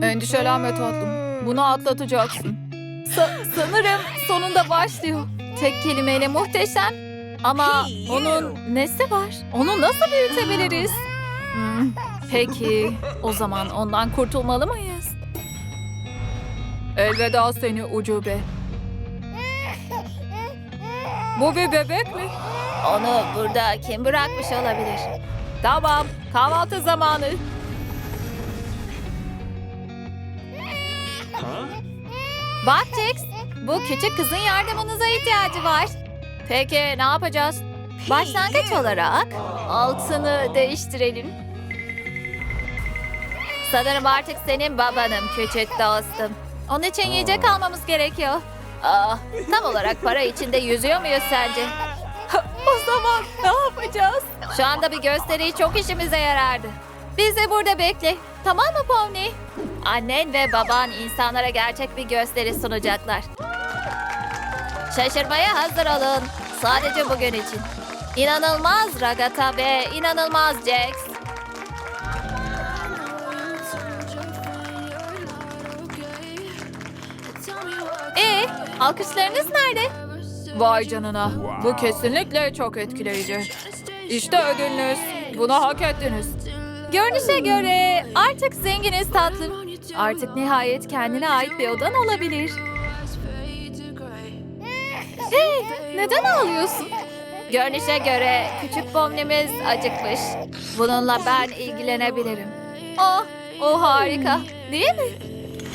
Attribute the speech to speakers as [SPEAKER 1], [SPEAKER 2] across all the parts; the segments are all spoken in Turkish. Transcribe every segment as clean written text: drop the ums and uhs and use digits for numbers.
[SPEAKER 1] Endişelenme tatlım. Bunu atlatacaksın. Sanırım sonunda başlıyor. Tek kelimeyle muhteşem. Ama onun nesi var? Onu nasıl büyütebiliriz? Peki, o zaman ondan kurtulmalı mıyız? Elveda seni ucube. Bu bir bebek mi? Onu burada kim bırakmış olabilir? Tamam, kahvaltı zamanı. Bak Jax, bu küçük kızın yardımınıza ihtiyacı var. Peki ne yapacağız? Başlangıç olarak altını değiştirelim. Sanırım artık senin babanım küçük dostum. Onun için yiyecek almamız gerekiyor. Tam olarak para içinde yüzüyor muyuz sence? O zaman ne yapacağız? Şu anda bir gösteri çok işimize yarardı. Bizi burada bekle. Tamam mı Pony? Annen ve baban insanlara gerçek bir gösteri sunacaklar. Şaşırmaya hazır olun. Sadece bugün için. İnanılmaz Ragata ve inanılmaz Jax. Alkışlarınız nerede? Vay canına. Bu kesinlikle çok etkileyici. İşte ödülünüz. Bunu hak ettiniz. Görünüşe göre artık zenginiz tatlım. Artık nihayet kendine ait bir odan olabilir. Hey, neden ağlıyorsun? Görünüşe göre küçük Pomni'miz acıkmış. Bununla ben ilgilenebilirim. Oh, o harika. Değil mi?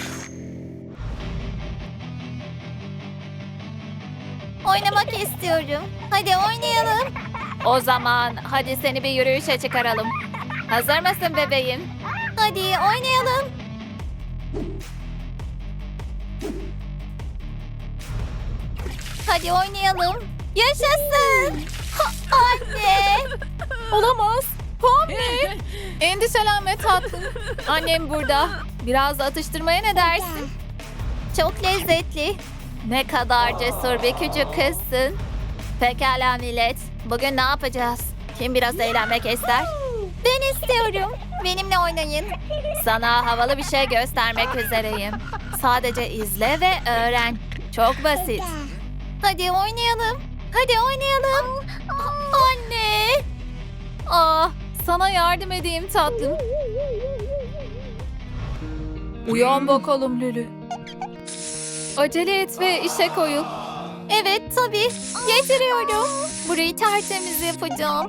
[SPEAKER 1] Oynamak istiyorum. Hadi oynayalım. O zaman hadi seni bir yürüyüşe çıkaralım. Hazır mısın bebeğim? Hadi oynayalım. Hadi oynayalım. Yaşasın. Anne. Olamaz. Pomni. Endişelenme tatlım. Annem burada. Biraz da atıştırmaya ne dersin? Çok lezzetli. Ne kadar cesur bir küçük kızsın. Pekala millet. Bugün ne yapacağız? Kim biraz eğlenmek ister? Ben istiyorum. Benimle oynayın. Sana havalı bir şey göstermek üzereyim. Sadece izle ve öğren. Çok basit. Hadi oynayalım. Hadi oynayalım. Anne. Sana yardım edeyim tatlım. Uyan bakalım Lülü. Acele et ve işe koyul. Evet tabii. Getiriyorum. Burayı tertemiz yapacağım.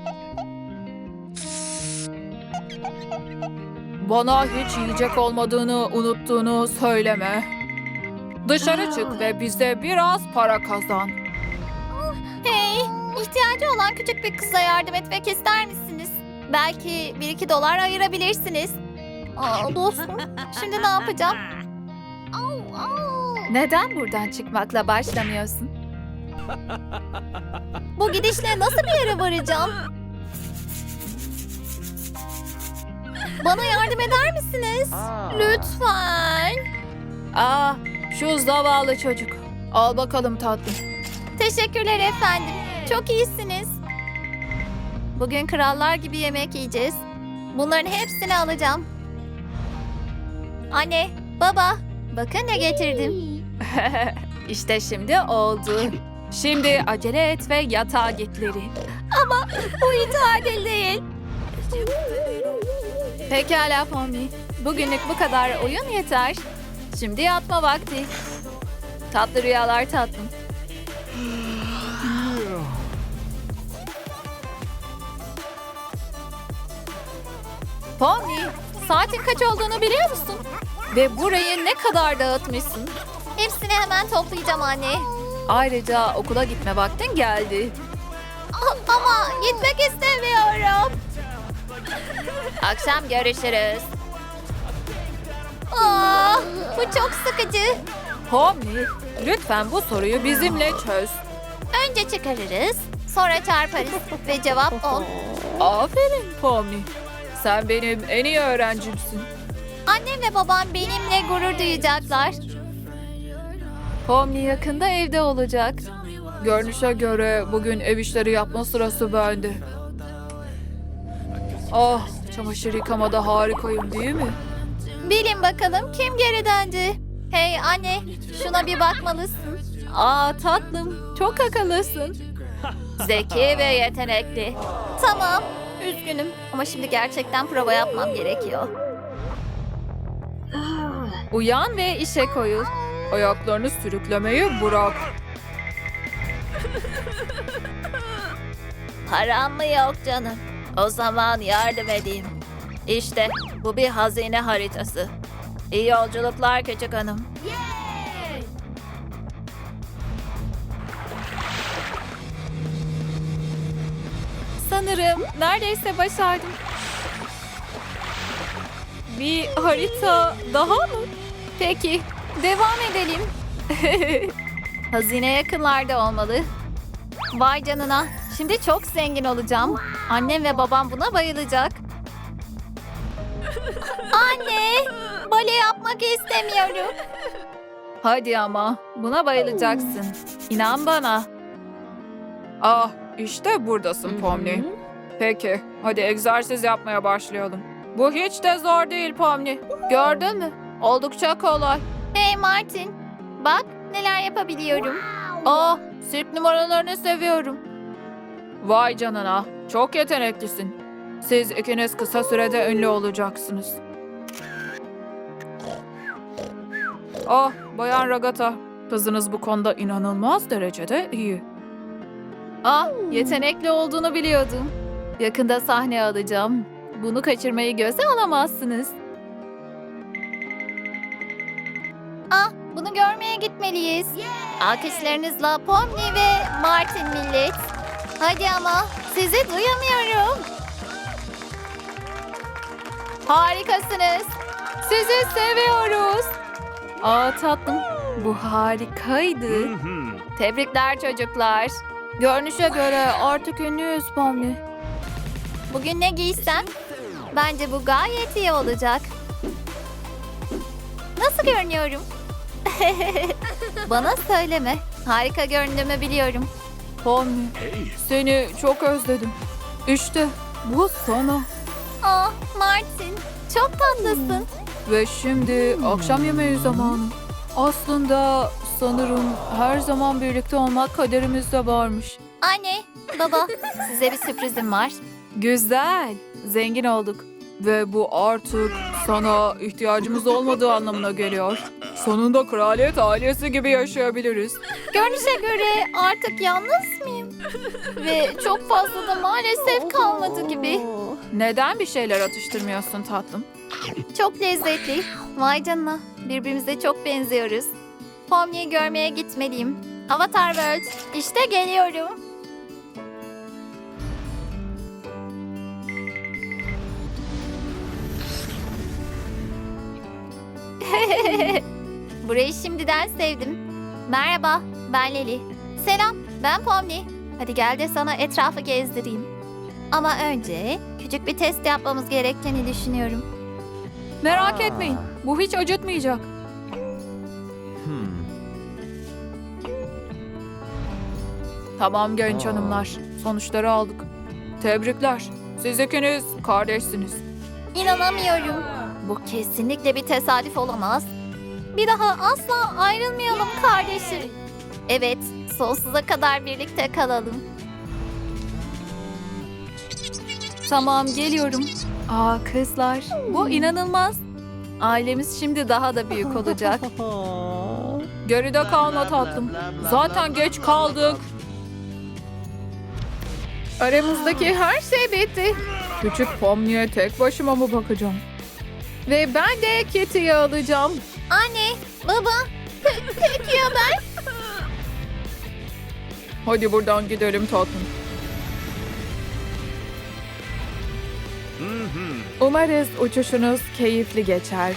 [SPEAKER 1] Bana hiç yiyecek olmadığını unuttuğunu söyleme. Dışarı çık ve bize biraz para kazan. Hey, ihtiyacı olan küçük bir kıza yardım etmek ister misiniz? Belki 1-2 dolar ayırabilirsiniz. Dostum, şimdi ne yapacağım? Neden buradan çıkmakla başlamıyorsun? Bu gidişle nasıl bir yere varacağım? Bana yardım eder misiniz? Lütfen. Şu zavallı çocuk. Al bakalım tatlım. Teşekkürler efendim. Çok iyisiniz. Bugün krallar gibi yemek yiyeceğiz. Bunların hepsini alacağım. Anne, baba, bakın ne getirdim. İşte şimdi oldu. Şimdi acele et ve yatağa git Larry. Ama bu hiç adil değil. Pekala Pomni. Bugünlük bu kadar oyun yeter. Şimdi yatma vakti. Tatlı rüyalar tatlım. Pomni, saatin kaç olduğunu biliyor musun? Ve burayı ne kadar dağıtmışsın? Hepsini hemen toplayacağım anne. Ayrıca okula gitme vaktin geldi. Ama gitmek istemiyorum. Akşam görüşürüz. Bu çok sıkıcı. Pomni, lütfen bu soruyu bizimle çöz. Önce çıkarırız, sonra çarparız ve cevap 10. Aferin Pomni. Sen benim en iyi öğrencimsin. Annem ve babam benimle gurur duyacaklar. Pomni yakında evde olacak. Görünüşe göre bugün ev işleri yapma sırası bende. Çamaşır yıkamada harikayım değil mi? Bilin bakalım kim geri döndü? Hey anne, şuna bir bakmalısın. Aa tatlım, çok akıllısın. Zeki ve yetenekli. Tamam, üzgünüm ama şimdi gerçekten prova yapmam gerekiyor. Uyan ve işe koyul. Ayaklarını sürüklemeyi bırak. Param mı yok canım? O zaman yardım edeyim. İşte bu bir hazine haritası. İyi yolculuklar küçük hanım. Sanırım neredeyse başardım. Bir harita daha mı? Peki, devam edelim. Hazine yakınlarda olmalı. Vay canına, şimdi çok zengin olacağım. Annem ve babam buna bayılacak. Anne, bale yapmak istemiyorum. Hadi ama, buna bayılacaksın. İnan bana. Ah, işte buradasın Pomni. Peki, hadi egzersiz yapmaya başlayalım. Bu hiç de zor değil Pomni. Gördün mü? Oldukça kolay. Hey Martin, bak neler yapabiliyorum. Oh, sirk numaralarını seviyorum. Vay canına, çok yeteneklisin. Siz ikiniz kısa sürede ünlü olacaksınız. Oh, Bayan Ragata, kızınız bu konuda inanılmaz derecede iyi. Ah, yetenekli olduğunu biliyordum. Yakında sahne alacağım. Bunu kaçırmayı göze alamazsınız. Ah, bunu görmeye gitmeliyiz. Alkışlarınızla Pomni ve Martin millet. Hadi ama, sizi duyamıyorum. Harikasınız. Sizi seviyoruz. Aa tatlım, bu harikaydı. Tebrikler çocuklar. Görünüşe göre artık ünlüyüz Pomni. Bugün ne giysem? Bence bu gayet iyi olacak. Nasıl görünüyorum? Bana söyleme. Harika göründüğümü biliyorum. Pomni, seni çok özledim. İşte bu sana. Ah Martin, çok tatlısın. Ve şimdi akşam yemeği zamanı. Aslında sanırım her zaman birlikte olmak kaderimizde varmış. Anne, baba, size bir sürprizim var. Güzel, zengin olduk. Ve bu artık sana ihtiyacımız olmadığı anlamına geliyor. Sonunda kraliyet ailesi gibi yaşayabiliriz. Görünüşe göre artık yalnız mıyım? Ve çok fazla da maalesef kalmadı gibi. Neden bir şeyler atıştırmıyorsun tatlım? Çok lezzetli. Vay canına, birbirimize çok benziyoruz. Pomni'yi görmeye gitmeliyim. Avatar World, işte geliyorum. Burayı şimdiden sevdim. Merhaba, ben Leli. Selam, ben Pomni. Hadi gel de sana etrafı gezdireyim. Ama önce küçük bir test yapmamız gerektiğini düşünüyorum. Merak etmeyin, bu hiç acıtmayacak. Tamam genç hanımlar, sonuçları aldık. Tebrikler, siz ikiniz kardeşsiniz. İnanamıyorum. Bu kesinlikle bir tesadüf olamaz. Bir daha asla ayrılmayalım kardeşim. Evet, sonsuza kadar birlikte kalalım. Tamam, geliyorum. Aa kızlar, bu inanılmaz. Ailemiz şimdi daha da büyük olacak. Geride kalma tatlım. Zaten geç kaldık. Aramızdaki her şey bitti. Küçük Pomni'ye tek başıma mı bakacağım? Ve ben de Kitty'yi alacağım. Anne, baba, peki ya ben? Hadi buradan gidelim tatlım. Umarız uçuşunuz keyifli geçer.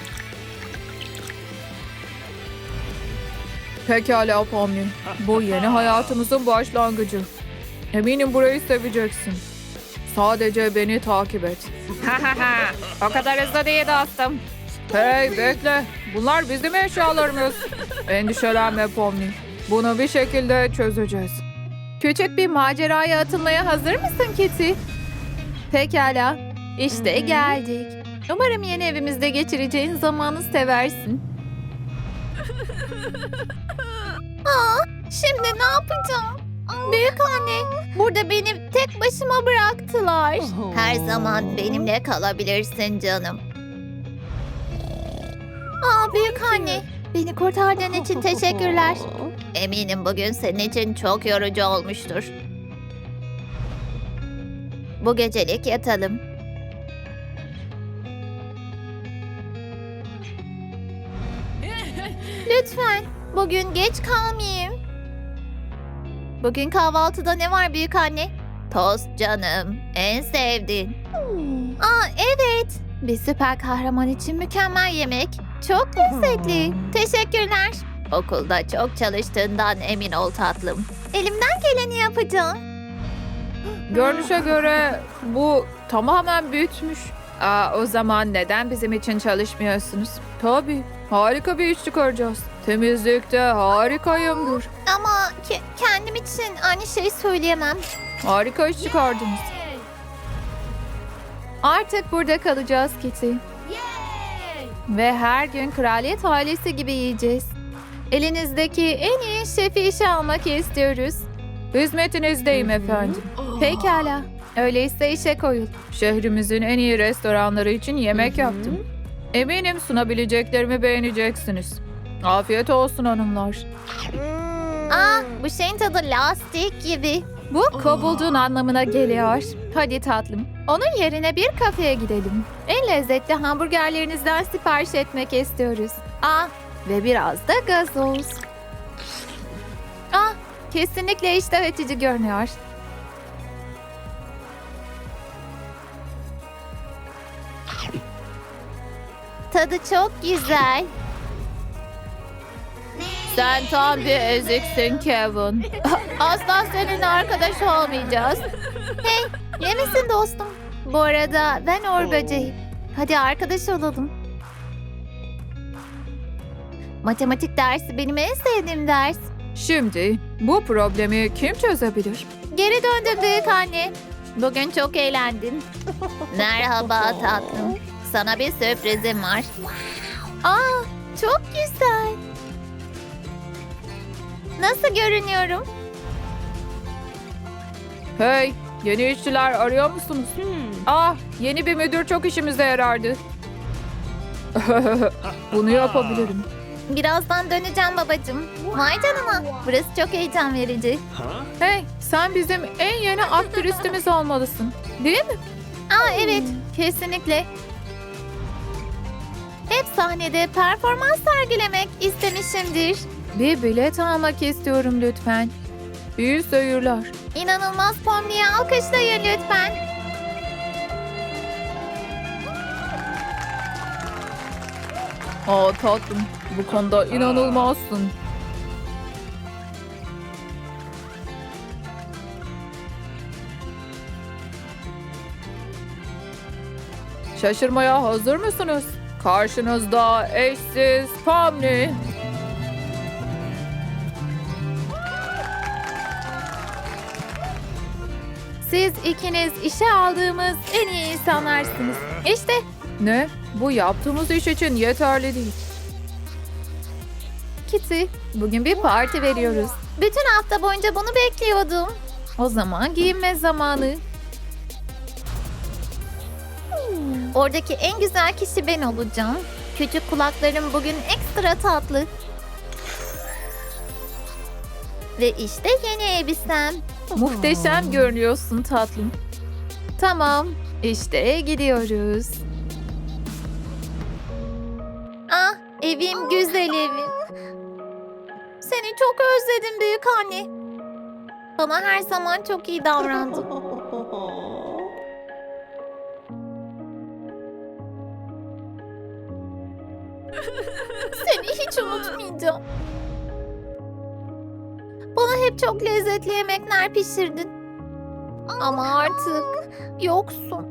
[SPEAKER 1] Pekala Pomni. Bu yeni hayatımızın başlangıcı. Eminim burayı seveceksin. Sadece beni takip et. O kadar hızlı değil dostum. Hey bekle. Bunlar bizim eşyalarımız. Endişelenme Pomni. Bunu bir şekilde çözeceğiz. Küçük bir maceraya atılmaya hazır mısın Kitty? Pekala. İşte geldik. Umarım yeni evimizde geçireceğin zamanı seversin. Şimdi ne yapacağım? Büyük anne, burada beni tek başıma bıraktılar. Her zaman benimle kalabilirsin canım. Büyük anne, beni kurtardığın için teşekkürler. Eminim bugün senin için çok yorucu olmuştur. Bu gecelik yatalım. Lütfen, bugün geç kalmayayım. Bugün kahvaltıda ne var büyük anne? Tost canım, en sevdiğin. Evet, bir süper kahraman için mükemmel yemek. Çok lezzetli. Teşekkürler. Okulda çok çalıştığından emin ol tatlım. Elimden geleni yapacağım.
[SPEAKER 2] Görünüşe göre bu tamamen bitmiş. O zaman neden bizim için çalışmıyorsunuz? Tabii, harika bir iş çıkaracağız. Temizlikte harikayımdır.
[SPEAKER 1] Ama kendim için aynı şeyi söyleyemem.
[SPEAKER 2] Harika iş çıkardınız.
[SPEAKER 1] Artık burada kalacağız Kitty. Ve her gün kraliyet ailesi gibi yiyeceğiz. Elinizdeki en iyi şefi işe almak istiyoruz.
[SPEAKER 2] Hizmetinizdeyim efendim.
[SPEAKER 1] Pekala. Öyleyse işe koyul.
[SPEAKER 2] Şehrimizin en iyi restoranları için yemek yaptım. Eminim sunabileceklerimi beğeneceksiniz. Afiyet olsun hanımlar.
[SPEAKER 1] Bu şeyin tadı lastik gibi. Bu kovulduğun anlamına geliyor. Hadi tatlım. Onun yerine bir kafeye gidelim. En lezzetli hamburgerlerinizden sipariş etmek istiyoruz. Ve biraz da gazoz. Kesinlikle iştah açıcı görünüyor. Tadı çok güzel.
[SPEAKER 2] Sen tam bir eziksin Kevin.
[SPEAKER 1] Asla seninle arkadaş olmayacağız. Hey, iyi misin dostum? Bu arada ben Uğur Böceği. Hadi arkadaş olalım. Matematik dersi benim en sevdiğim ders.
[SPEAKER 2] Şimdi bu problemi kim çözebilir?
[SPEAKER 1] Geri döndüm büyük anne. Bugün çok eğlendim. Merhaba tatlım. Sana bir sürprizim var. Çok güzel. Nasıl görünüyorum?
[SPEAKER 2] Hey, yeni işçiler arıyor musunuz? Yeni bir müdür çok işimize yarardı. Bunu yapabilirim.
[SPEAKER 1] Birazdan döneceğim babacığım. Vay canına. Burası çok heyecan verici.
[SPEAKER 2] Hey, sen bizim en yeni aktristimiz olmalısın. Değil mi?
[SPEAKER 1] Evet, kesinlikle. Hep sahnede performans sergilemek istemişimdir.
[SPEAKER 2] Bir bilet almak istiyorum lütfen. İyi seyirler.
[SPEAKER 1] İnanılmaz Pomni'ye alkışlayın lütfen.
[SPEAKER 2] Tatlım, bu konuda inanılmazsın. Şaşırmaya hazır mısınız? Karşınızda eşsiz Pomni.
[SPEAKER 1] Siz ikiniz işe aldığımız en iyi insanlarsınız. İşte
[SPEAKER 2] Ne? Bu yaptığımız iş için yeterli değil.
[SPEAKER 1] Kitty, bugün bir parti veriyoruz. Bütün hafta boyunca bunu bekliyordum. O zaman giyinme zamanı. Oradaki en güzel kişi ben olacağım. Küçük kulaklarım bugün ekstra tatlı. Ve işte yeni elbisem.
[SPEAKER 2] Muhteşem görünüyorsun tatlım.
[SPEAKER 1] Tamam, işte gidiyoruz. Evim güzel evim. Seni çok özledim büyük anne. Bana her zaman çok iyi davrandın. Seni hiç unutmayacağım. Bana hep çok lezzetli yemekler pişirdin. Ama artık yoksun.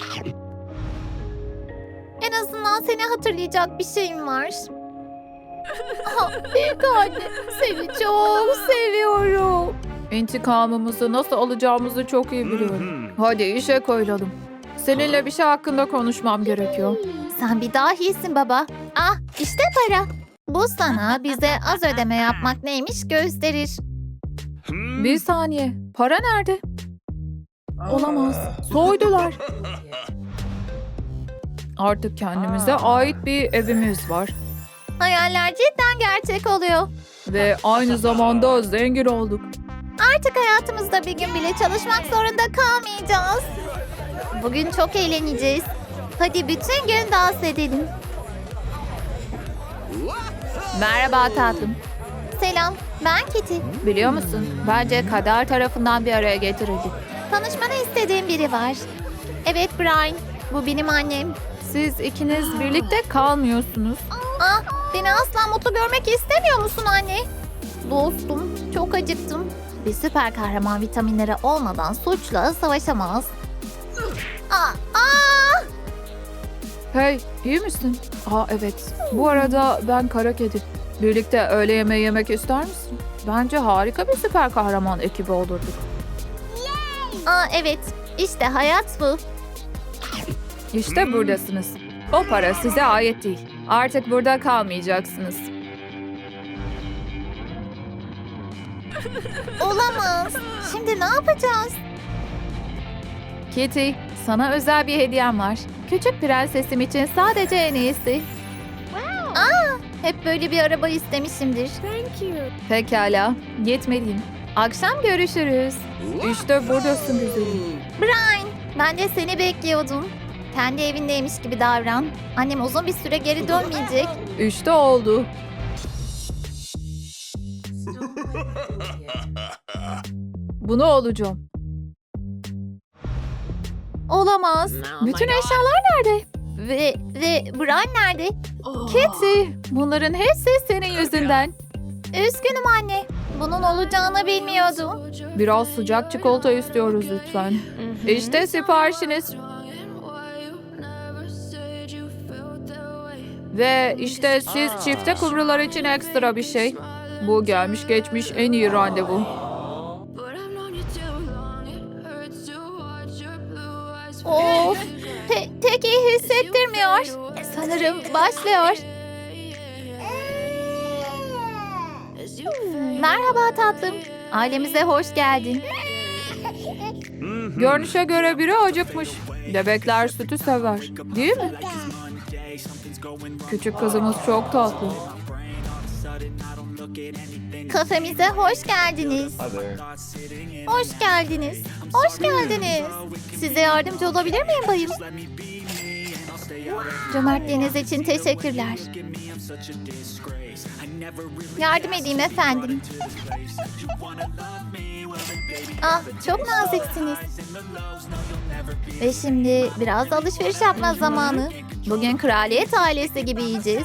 [SPEAKER 1] En azından seni hatırlayacak bir şeyim var. Büyük anne, seni çok seviyorum.
[SPEAKER 2] İntikamımızı nasıl alacağımızı çok iyi biliyorum. Hadi işe koyulalım. Seninle bir şey hakkında konuşmam gerekiyor.
[SPEAKER 1] Sen bir dahisin baba. Ah işte para. Bu sana bize az ödeme yapmak neymiş gösterir.
[SPEAKER 2] Bir saniye. Para nerede? Olamaz. Soydular. Artık kendimize ait bir evimiz var.
[SPEAKER 1] Hayaller cidden gerçek oluyor.
[SPEAKER 2] Ve aynı zamanda zengin olduk.
[SPEAKER 1] Artık hayatımızda bir gün bile çalışmak zorunda kalmayacağız. Bugün çok eğleneceğiz. Hadi bütün gün dans edelim.
[SPEAKER 2] Merhaba tatlım.
[SPEAKER 1] Selam, ben Kitty.
[SPEAKER 2] Biliyor musun? Bence kader tarafından bir araya getirildik.
[SPEAKER 1] Tanışmanı istediğim biri var. Evet Brian, bu benim annem.
[SPEAKER 2] Siz ikiniz birlikte kalmıyorsunuz.
[SPEAKER 1] Ah, beni asla mutlu görmek istemiyor musun anne? Dostum, çok acıktım. Bir süper kahraman vitaminleri olmadan suçla savaşamaz. Aa!
[SPEAKER 2] Hey, iyi misin? Aa evet. Bu arada ben kara kedi. Birlikte öğle yemeği yemek ister misin? Bence harika bir süper kahraman ekibi olurduk.
[SPEAKER 1] Aa evet, işte hayat bu.
[SPEAKER 2] İşte buradasınız. O para size ait değil. Artık burada kalmayacaksınız.
[SPEAKER 1] Olamaz. Şimdi ne yapacağız?
[SPEAKER 2] Kitty, sana özel bir hediyem var. Küçük prensesim için sadece en iyisi.
[SPEAKER 1] Hep böyle bir araba istemişimdir.
[SPEAKER 2] Pekala, gitmeliyim. Akşam görüşürüz. İşte buradasın güzelim.
[SPEAKER 1] Brian, ben de seni bekliyordum. Kendi evindeymiş gibi davran. Annem uzun bir süre geri dönmeyecek.
[SPEAKER 2] İşte oldu. Bunu olacağım.
[SPEAKER 1] Olamaz.
[SPEAKER 2] Bütün eşyalar nerede?
[SPEAKER 1] Ve Brian nerede?
[SPEAKER 2] Kitty, bunların hepsi senin yüzünden.
[SPEAKER 1] Üzgünüm anne. Bunun olacağını bilmiyordum.
[SPEAKER 2] Biraz sıcak çikolata istiyoruz lütfen. İşte siparişiniz. Ve işte siz çifte kumrular için ekstra bir şey. Bu gelmiş geçmiş en iyi randevu.
[SPEAKER 1] Of. Tek iyi hissettirmiyor. Sanırım başlıyor. Merhaba tatlım. Ailemize hoş geldin.
[SPEAKER 2] Görünüşe göre biri acıkmış. Bebekler sütü sever. Değil mi? Küçük kızımız çok tatlı.
[SPEAKER 1] Kafemize hoş geldiniz. Hoş geldiniz. Hoş geldiniz. Size yardımcı olabilir miyim bayım? Cömertliğiniz için teşekkürler. Yardım edeyim efendim. Ah, çok naziksiniz. Ve şimdi biraz da alışveriş yapma zamanı. Bugün kraliyet ailesi gibi yiyeceğiz.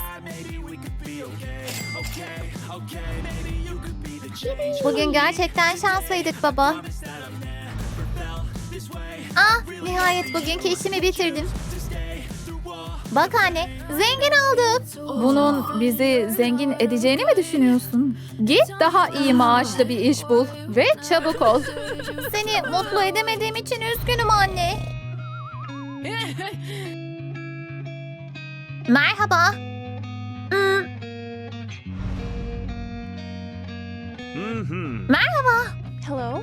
[SPEAKER 1] Bugün gerçekten şanslıydık baba. Ah, nihayet bugünkü işimi bitirdim. Bak anne, zengin olduk.
[SPEAKER 2] Bunun bizi zengin edeceğini mi düşünüyorsun? Git daha iyi maaşlı bir iş bul ve çabuk ol.
[SPEAKER 1] Seni mutlu edemediğim için üzgünüm anne. Merhaba. Merhaba.
[SPEAKER 3] Hello?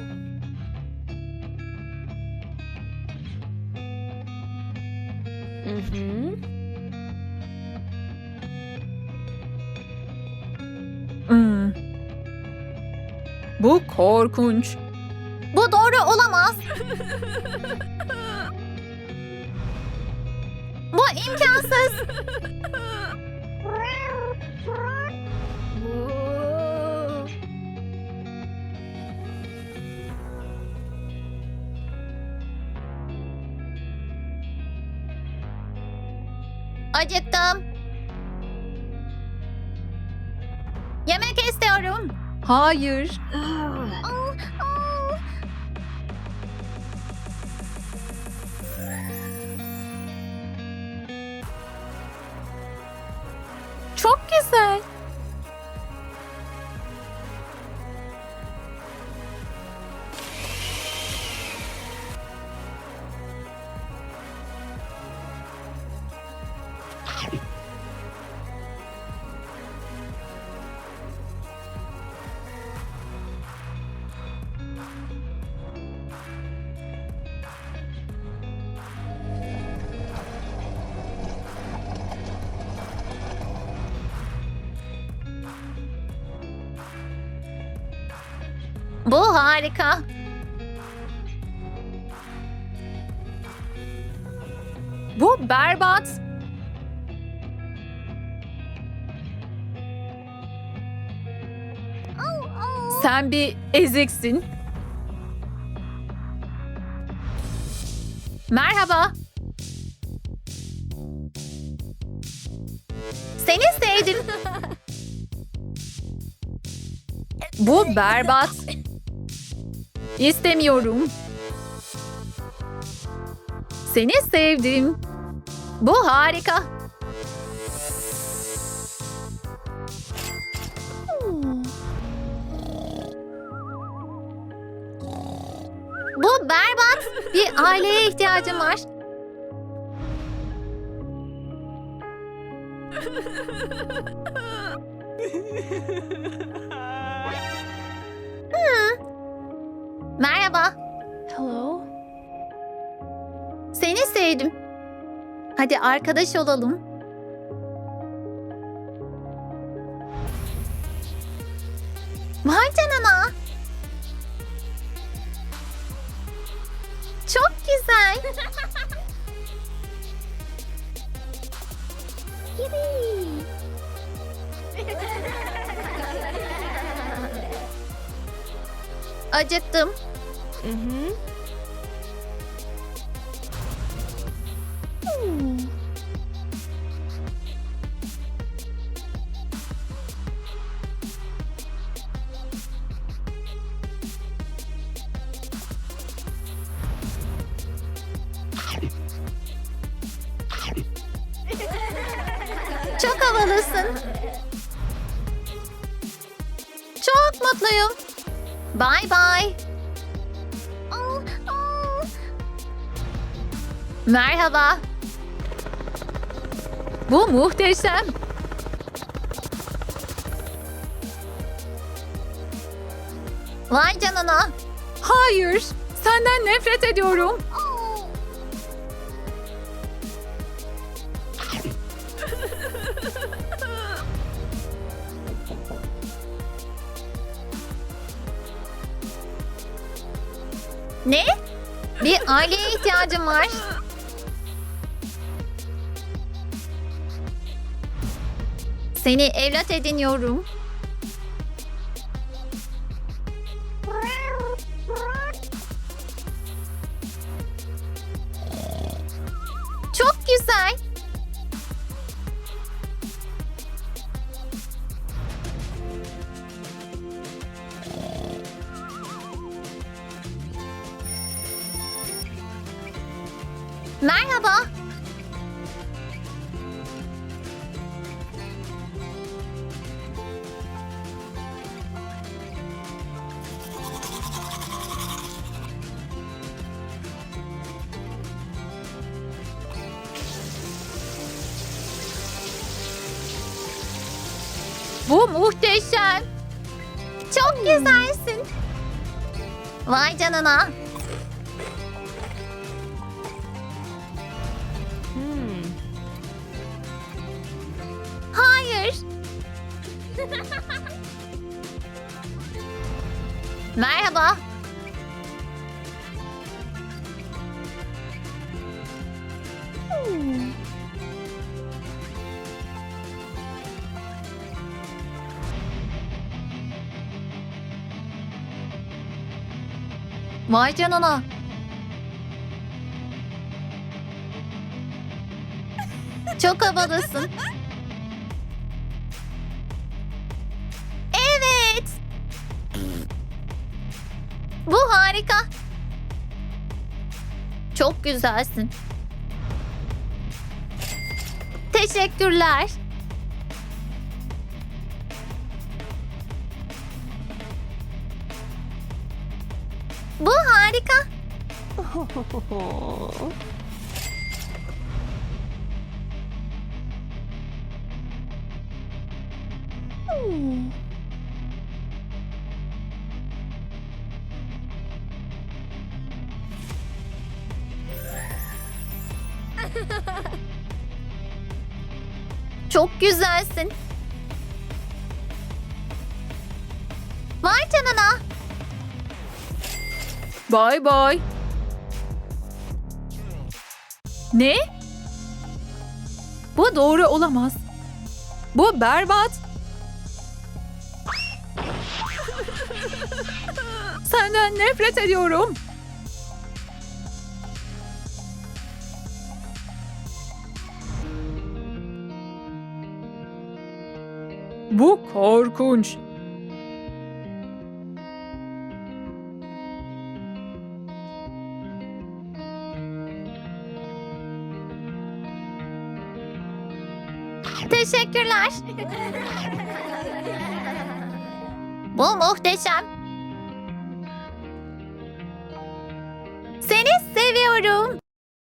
[SPEAKER 2] Bu korkunç.
[SPEAKER 1] Bu doğru olamaz. Bu imkansız. Acıktım. Yemek istiyorum.
[SPEAKER 2] Hayır.
[SPEAKER 1] Çok güzel. Bu harika.
[SPEAKER 2] Bu berbat. Sen bir eziksin. Merhaba.
[SPEAKER 1] Seni sevdim.
[SPEAKER 2] Bu berbat. İstemiyorum. Seni sevdim.
[SPEAKER 1] Bu harika. Bu berbat. Bir aileye ihtiyacım var. Merhaba.
[SPEAKER 2] Hello.
[SPEAKER 1] Seni sevdim. Hadi arkadaş olalım. Vay canına. Çok güzel. Acıktım. Çok havalısın. Çok mutluyum. Bye bye. Merhaba.
[SPEAKER 2] Bu muhteşem.
[SPEAKER 1] Vay canına.
[SPEAKER 2] Hayır. Senden nefret ediyorum.
[SPEAKER 1] Ne? Bir aileye ihtiyacım var. Seni evlat ediniyorum. Çok güzel. Merhaba.
[SPEAKER 2] Bu muhteşem.
[SPEAKER 1] Çok güzelsin. Vay canına. Hayır. Merhaba. Vay canına. Çok havalısın. Evet. Bu harika. Çok güzelsin. Teşekkürler. Bu harika. Çok güzelsin. Vay canına.
[SPEAKER 2] Bay bay. Ne? Bu doğru olamaz. Bu berbat. Senden nefret ediyorum. Bu korkunç.
[SPEAKER 1] Teşekkürler. Bu muhteşem. Seni seviyorum.